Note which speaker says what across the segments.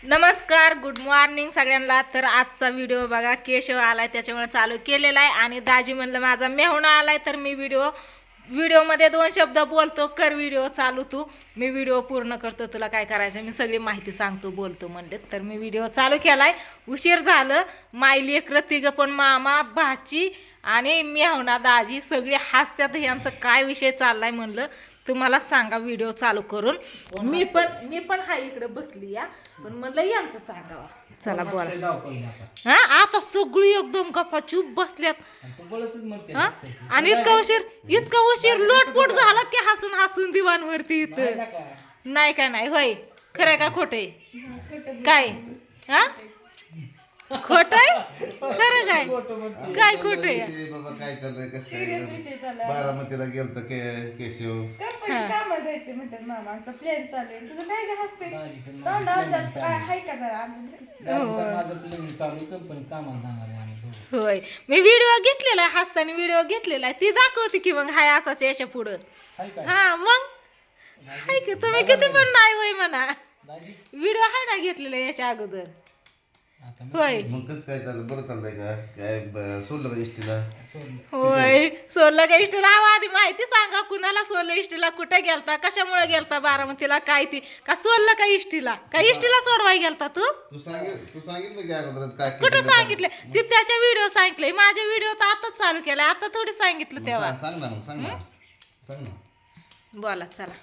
Speaker 1: नमस्कार, good morning सगळ्यांना. तर आजचा व्हिडिओ बघा, केशव आलाय त्याच्यामुळे चालू केलेला आहे. आणि दाजी म्हणलं माझा मेहुणा आलाय तर मी व्हिडिओमध्ये 2 शब्द बोलतो, कर व्हिडिओ चालू तू. मी व्हिडिओ पूर्ण करतो, तुला काय करायचं मी सगळी माहिती सांगतो बोलतो म्हणले. तर मी व्हिडिओ चालू केलाय. उशीर झालं. माय लेकरं तिघं पण, मामा भाची आणि मेहुणा दाजी सगळे हसत्यात. यांचं काय विषय चाललाय म्हणलं तुम्हाला सांगा व्हिडिओ चालू करून. मी पण हाय इकडे बसली या, पण म्हणलं यांचं सांगावा. चला बोला. हा, आता सगळी एकदम गप्पाचूप बसल्यात. हा, आणि इतका उशीर लोटपोट झाला की हसून हसून दिवाणवरती इथं. नाही का नाही होय, खरं का खोटे काय? हा, खोट आहे खरं काय? काय खोट आहे?
Speaker 2: बाबा काय चाललंय कसं बारामतीला गेलतो केशव
Speaker 3: काम द्यायचे म्हणतात मामा, आमचा प्लॅन चालू आहे. तुझं काय काय हसते काय हाय का जरा
Speaker 4: माझं प्लेन चालू कंपनी कामाला जाणार आहे आम्ही.
Speaker 1: होय, मी व्हिडिओ घेतलेला आहे, हसताना व्हिडिओ घेतलेला आहे. ती दाखवते की मग हाय असाच याच्या पुढं. हा मग हाय की तुम्ही किती पण नाही होय म्हणा, व्हिडिओ हाय ना घेतलेला याच्या अगोदर. होय
Speaker 2: मग कसं काय चाललं? बरं चाललंय का? काय सोडलं का इष्टीला?
Speaker 1: होय, सोडलं का इष्टीला? आधी माहिती सांगा, कुणाला सोडलं इष्टीला, कुठे गेलता, कशामुळे गेलता बारामतीला, काय ती का सोडलं का इष्टीला? का इष्टीला सोडवाय गेलता तू?
Speaker 2: तू सांगितलं की अगोदर काय
Speaker 1: कुठं सांगितलं? ती त्याच्या व्हिडिओ सांगितले, माझ्या व्हिडिओ तर आताच चालू केलाय, आता थोडी सांगितलं तेव्हा.
Speaker 2: सांग ना, मग सांग ना.
Speaker 1: बोला चला.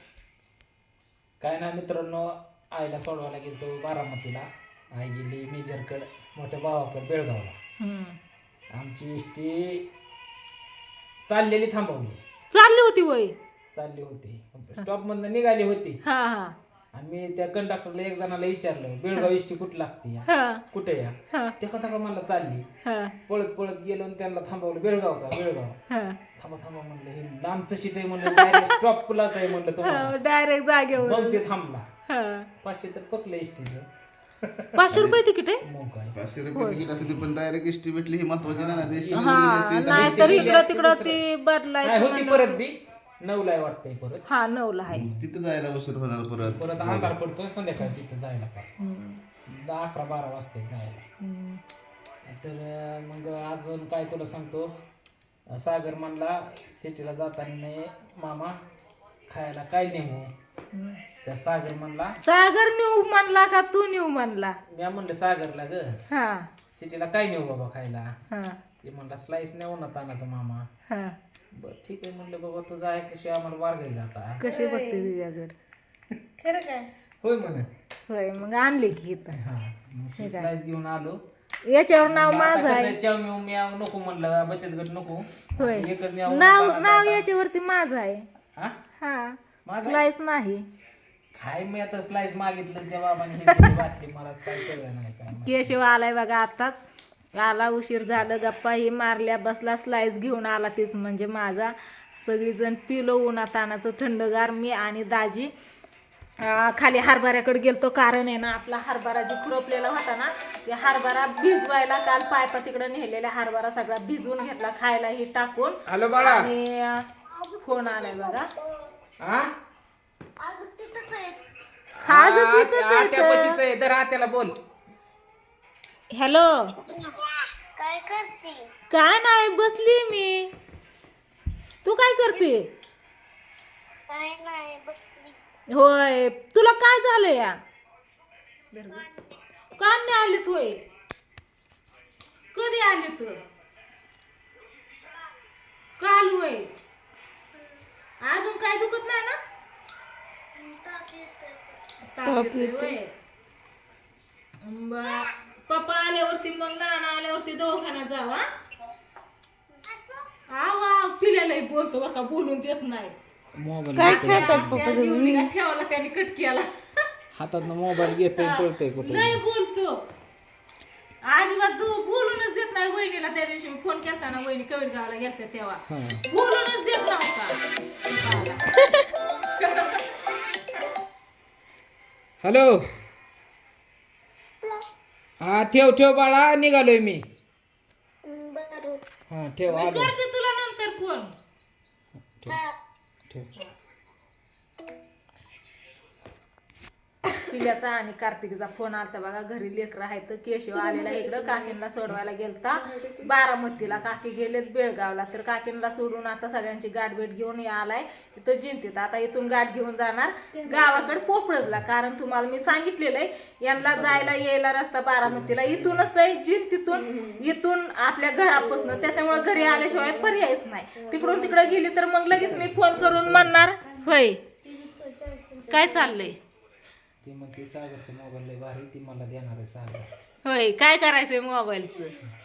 Speaker 4: काय ना मित्रांनो, आईला सोडवायला गेलतो बारामतीला. आई गेली मेजरकडे, मोठ्या भावाकडे बेळगावला. आमची इष्टी चाललेली थांबवली.
Speaker 1: चालली होती वय?
Speaker 4: चालली होती, स्टॉप मधनं निघाली होती.
Speaker 1: हा हा
Speaker 4: आणि त्या कंडक्टरला एक जणाला विचारलं, बेळगाव इष्टी कुठं लागते या,
Speaker 1: हा
Speaker 4: कुठे या?
Speaker 1: हा
Speaker 4: ते का मला चालली.
Speaker 1: हा
Speaker 4: पळत पळत गेलो आणि त्यांना थांबवलं. बेळगाव का? बेळगाव.
Speaker 1: हा.
Speaker 4: थांबा थांबा म्हणलं, हे लांबचं सीट आहे म्हणलं, डायरेक्ट स्टॉप पुलाच आहे म्हणलं तुम्हाला.
Speaker 1: डायरेक्ट जागेवर.
Speaker 4: मग ते थांबला.
Speaker 1: हा.
Speaker 4: 500 तर पकलं इष्टीचं.
Speaker 1: 500 रुपये तिकीट आहे?
Speaker 4: मग काय
Speaker 2: 500 रुपये तिकीट असते पण डायरेक्ट इष्टी भेटली ही महत्वाची ना.
Speaker 1: हा, नाही तर इकडं तिकडं ती
Speaker 4: नाही
Speaker 1: बदलायचं
Speaker 4: होती परत बी 9ला वाटतंय परत.
Speaker 1: हा 9ला आहे.
Speaker 2: तिथं जायला उशीर होणार परत.
Speaker 4: परत अंधार पडतोय संध्याकाळी तिथं जायला पार 11-12 वाजता जायला. तर मग अजून काय तुला सांगतो, सागर म्हणला सिटीला जाताना मामा खायला काय नेऊ. त्या सागर म्हणला,
Speaker 1: सागर नेऊ म्हणला का तू नेऊ म्हणला?
Speaker 4: मी म्हणलं सागरला ग,
Speaker 1: हा
Speaker 4: सिटीला काय नेऊ बाबा खायला.
Speaker 1: हा
Speaker 4: ते म्हणला स्लाइस नेऊ ना तानाचा मामा.
Speaker 1: हा.
Speaker 4: बर ठीक आहे म्हणलं, बाबा तुझं आहे कशी आम्हाला वारगाय जाता.
Speaker 1: कशी बघते तुझ्याकडे?
Speaker 3: खरं काय?
Speaker 4: होय म्हणे.
Speaker 1: होय, मग आणली की इथं.
Speaker 4: हा मग स्लाइस घेऊन आलो.
Speaker 1: याच्यावर नाव माझं आहे.
Speaker 4: चाव म्याव नको म्हणलं, बचत गट नको.
Speaker 1: होय,
Speaker 4: एकच
Speaker 1: नाव याच्यावरती माझं आहे.
Speaker 4: हा
Speaker 1: हा,
Speaker 4: माझं
Speaker 1: स्लाइस नाही.
Speaker 4: काय मी आता स्लाइस मागितलं त्या बाबाने हे वाटली, मलाच काय कळलं नाही काय.
Speaker 1: केशव आलाय बघा आताच. आला, उशीर झालं, गप्पा ही मारल्या, बसला, स्लाइस घेऊन आला. तीच म्हणजे माझा. सगळीजण पिलो उन्हातानाचं थंडगार. मी आणि दाजी खाली हरभऱ्याकडे गेलतो, कारण आहे ना आपला हरभरा जी खुरपलेला होता ना, ते हरभरा भिजवायला काल पायपा तिकडे नेलेला हरभरा सगळा भिजवून घेतला, खायला ही टाकून.
Speaker 4: हॅलो बाळा.
Speaker 1: आणि फोन आलाय बघा.
Speaker 4: हा
Speaker 1: आज तिथंच आहे.
Speaker 4: तर आत्याला बोल.
Speaker 1: हॅलो,
Speaker 3: काय करते?
Speaker 1: काय नाही, बसली मी. तू काय करते?
Speaker 3: काय नाही बसली.
Speaker 1: होय, तुला काय झालं या? का नाही आली तू? कधी आली तू? काल होय. अजून काय दुखत नाही ना? ताप येतोय. पप्पा आल्यावरती मग नाना आल्यावरती दवाखान्यात जावा. हा पिल्यालाही बोलतो बरं का, बोलून देत नाही.
Speaker 4: मोबाईल
Speaker 1: काय खेळतात पप्पा? ठेवला त्याने कटकीला
Speaker 4: हातात मोबाईल घेतोय पळतोय कुठे.
Speaker 1: नाही बोलतो अजिबात, बोलूनच देत नाही. वहिनीला त्या दिवशी मी फोन केलता ना, वहिनी कवीर गावाला गेलत्या तेव्हा बोलूनच देत नव्हता.
Speaker 4: हॅलो. हा ठेव बाळा, निघालोय मी. हा ठेव,
Speaker 1: मी
Speaker 4: आलो.
Speaker 1: करते तुला नंतर फोन.
Speaker 4: ठेव.
Speaker 1: पिल्याचा आणि कार्तिकीचा फोन आलता बघा. घरी लेकरं आहेत. केशव आलेला इकडं काकींना सोडवायला गेलता बारामतीला. काकी गेलेत बेळगावला. तर काकींना सोडून आता सगळ्यांची गाठ भेट घेऊन आलाय इथं जिंतीत. आता इथून गाठ घेऊन जाणार गावाकडे पोपळजला. कारण तुम्हाला मी सांगितलेलं आहे यांना जायला यायला रस्ता बारामतीला इथूनच आहे इथून आपल्या घरापासून. त्याच्यामुळे घरी आल्याशिवाय पर्यायच नाही. तिकडून तिकडे गेली तर मग लगेच मी फोन करून म्हणणार होय काय चाललंय.
Speaker 4: ती म्हणते सागरचं मोबाईल लय भारी, ती मला देणार आहे सागर.
Speaker 1: होय काय करायचंय मोबाईलचं.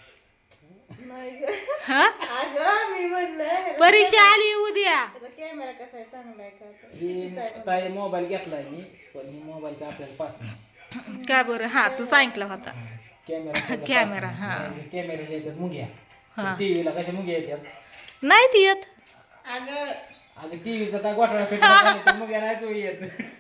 Speaker 1: हा
Speaker 3: अगं मी म्हणलं
Speaker 1: परीक्षा आली उद्या.
Speaker 3: कॅमेरा कसा आहे चांगला आहे का आता?
Speaker 4: ही ताई मोबाईल घेतलाय मी, पण ही मोबाईल काय आपल्याला पास नाही.
Speaker 1: का बरं हा तू सांगितला होता
Speaker 4: कॅमेरा
Speaker 1: हा.
Speaker 4: कॅमेरा येतात मुग्या.
Speaker 1: हा.
Speaker 4: टीव्हीला कशा मुग्या येतात.
Speaker 1: नाही ती येत.
Speaker 3: अगं
Speaker 4: अगं टीव्हीचा काय गोठा पेटला मुग्या नाही तो येत.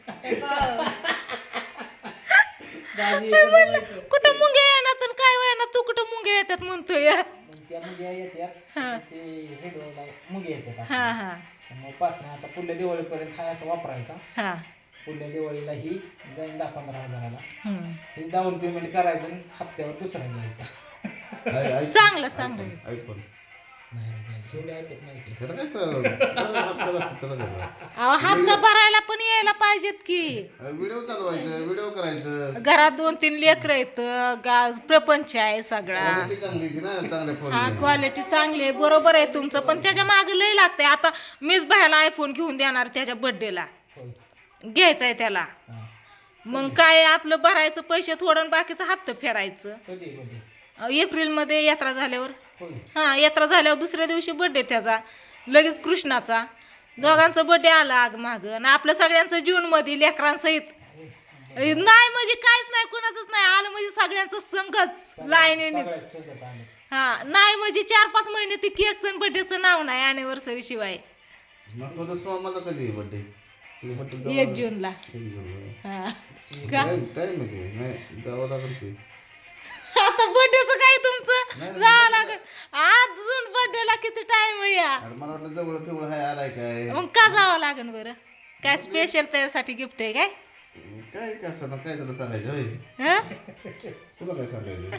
Speaker 4: दाजी
Speaker 1: कुठं मुंग्या येणार तर काय येणार तू कुठं मुंग्या येतात म्हणतोय.
Speaker 4: मग त्या मुग्या येतात ते हेडला मुग्या येतात.
Speaker 1: हा हा
Speaker 4: मग पास नाही. आता पुढल्या दिवाळीपर्यंत हा असं वापरायचा.
Speaker 1: हा
Speaker 4: पुढल्या दिवाळीला ही जाईन 10-15 हजाराला.
Speaker 1: हम्म.
Speaker 4: हे डाऊन पेमेंट करायचं आणि हप्त्यावर दुसरा घ्यायचा.
Speaker 1: चांगलं
Speaker 2: आयफोन
Speaker 4: नाही रे दाजी, शेवटी ऐकत नाही की.
Speaker 2: त्याला काय तर
Speaker 1: अहो हप्ता भरायला पण यायला पाहिजेत की.
Speaker 2: व्हिडिओ चालवायचं, व्हिडिओ करायचं.
Speaker 1: घरात 2-3 लेकरं आहेत. प्रपंच आहे सगळा.
Speaker 2: क्वालिटी चांगली होती ना, चांगल्या
Speaker 1: हा
Speaker 2: फोन.
Speaker 1: क्वालिटी चांगली आहे बरोबर आहे तुमचं. पण त्याच्या मागे लय लागतंय. आता मीच बाहेरला आयफोन घेऊन देणार त्याच्या बर्थडेला.
Speaker 4: होय.
Speaker 1: घ्यायचा आहे त्याला.
Speaker 4: हा.
Speaker 1: मग काय आपलं भरायचं पैसे थोडं आणि बाकीचं हप्ता फेडायचं.
Speaker 4: कधी
Speaker 1: एप्रिलमध्ये यात्रा झाल्यावर.
Speaker 4: होय.
Speaker 1: हा यात्रा झाल्यावर दुसऱ्या दिवशी बर्थडे त्याचा. लगेच कृष्णाचा. दोघांचा बर्थडे आला आग माग. आणि आपलं सगळ्यांचं जूनमध्ये लेकरांसहित. नाही म्हणजे काहीच नाही कुणाचंच नाही आलं म्हणजे सगळ्यांचं संगच लाईनीनेच. हा नाही म्हणजे 4-5 महिने ती केकचं बर्थडेचं नाव नाही अॅनिव्हर्सरी शिवाय.
Speaker 2: मग तो सोमाचा कधी बर्थडे?
Speaker 1: 1 जूनला. हा
Speaker 2: टाइम नाही जावं लागेल की.
Speaker 1: आता बर्थडेचं काय तुमचं जावं लागेल. अजून बर्थडेला किती टाइम आहे या.
Speaker 2: अरे मला वाटलं जवळ पिवळ हाय आलाय काय.
Speaker 1: मग का जावं लागेल बरं. काय स्पेशल त्याच्यासाठी गिफ्ट आहे काय.
Speaker 2: काय कसं ना काय तुला सांगायचं होय.
Speaker 1: हा
Speaker 2: तुला काय सांगायचं.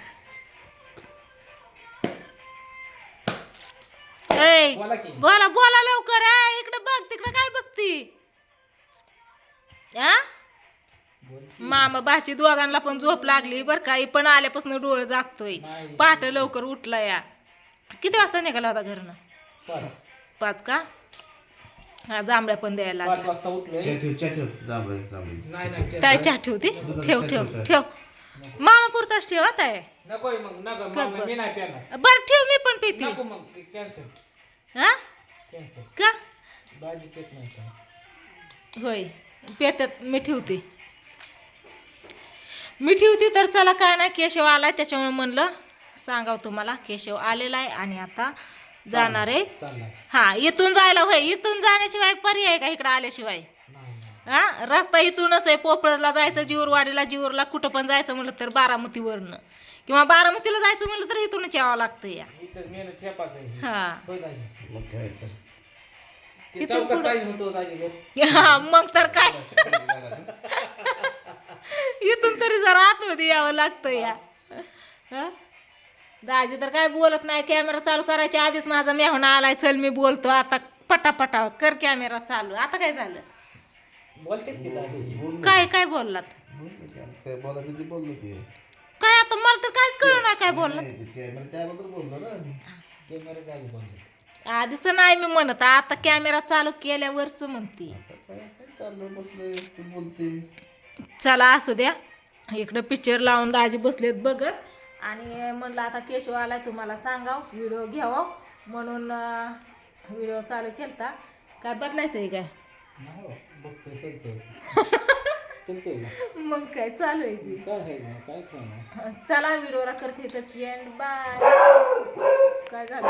Speaker 1: ऐ,
Speaker 4: बोला की.
Speaker 1: बोला लवकर. इकडे बघ तिकडे काय बघती. आ मामा भाची दोघांना पण झोप लागली बरं का. पण आल्यापासून डोळं जागतोय. पहाट लवकर उठला या. किती वाजता निघाला होता घरनं. 5 का. हा जांभळ्या पण द्यायला
Speaker 4: 5 वाजता उठलोय.
Speaker 2: ठेव जांभळे.
Speaker 4: नाही
Speaker 1: काय चहा ठेवते. ठेव मामा पुरताच ठेव आता आहे.
Speaker 4: नको मग नको मी नाही पेणार.
Speaker 1: बरं ठेव मी पण पिते.
Speaker 4: नको मग कॅन्सल
Speaker 1: हा
Speaker 4: कॅन्सल.
Speaker 1: का
Speaker 4: भाजी पेट नाही.
Speaker 1: होय पेतात मी ठेवते. तर चला काय नाही केशव आलाय त्याच्यामुळे म्हणलं सांगाव तुम्हाला. केशव आलेला आहे आणि आता जाणार आहे.
Speaker 4: चाललाय.
Speaker 1: हा इथून जायला होय. इथून जाण्याशिवाय पर्याय का इकडं आल्याशिवाय. हा रस्ता इथूनच आहे. पोपळला जायचं जीवरला कुठं पण जायचं म्हणलं तर बारामतीवरनं किंवा बारामतीला जायचं म्हणलं तर इथूनच यावं लागतं या.
Speaker 4: इथं मेनू ठेपाचं आहे.
Speaker 1: हा
Speaker 4: होय दाजी.
Speaker 2: मग काय तर.
Speaker 4: ते चौकट पाहिजे होतो दाजी.
Speaker 1: हा मग तर काय इथून तरी जरा आतमध्ये यावं लागतं या. हा? दाजी तर काय बोलत नाही. कॅमेरा चालू करायच्या आधीच माझा मेहणा आलाय. चल मी बोलतो आता पटापटा कर कॅमेरा चालू. आता काय झालं.
Speaker 4: बोलते की दाजी.
Speaker 1: काय बोललात.
Speaker 2: काय बोलायचं ते बोललो की.
Speaker 1: काय आता मला तर काहीच कळलं नाही काय बोलला.
Speaker 2: कॅमेराच्या अगोदर बोललो ना.
Speaker 4: कॅमेराच्या आधी बोलले.
Speaker 1: आधीच नाही मी म्हणत. आता कॅमेरा चालू केल्यावरच म्हणते.
Speaker 2: काय चाललं बसलोय तू बोलते.
Speaker 1: चला असू द्या. इकडं पिक्चर लावून दाजी बसलेत बघत. आणि म्हणलं आता केशव आलाय तुम्हाला सांगाव व्हिडिओ घ्यावा म्हणून व्हिडिओ चालू केलता. काय बदलायचं आहे काय.
Speaker 4: बघतोय चलतोय. चलतोय
Speaker 1: मग काय चालू आहे की
Speaker 4: काय आहे काहीच नाही.
Speaker 1: चला व्हिडिओला करते त्याची एंड बाय. काय झालं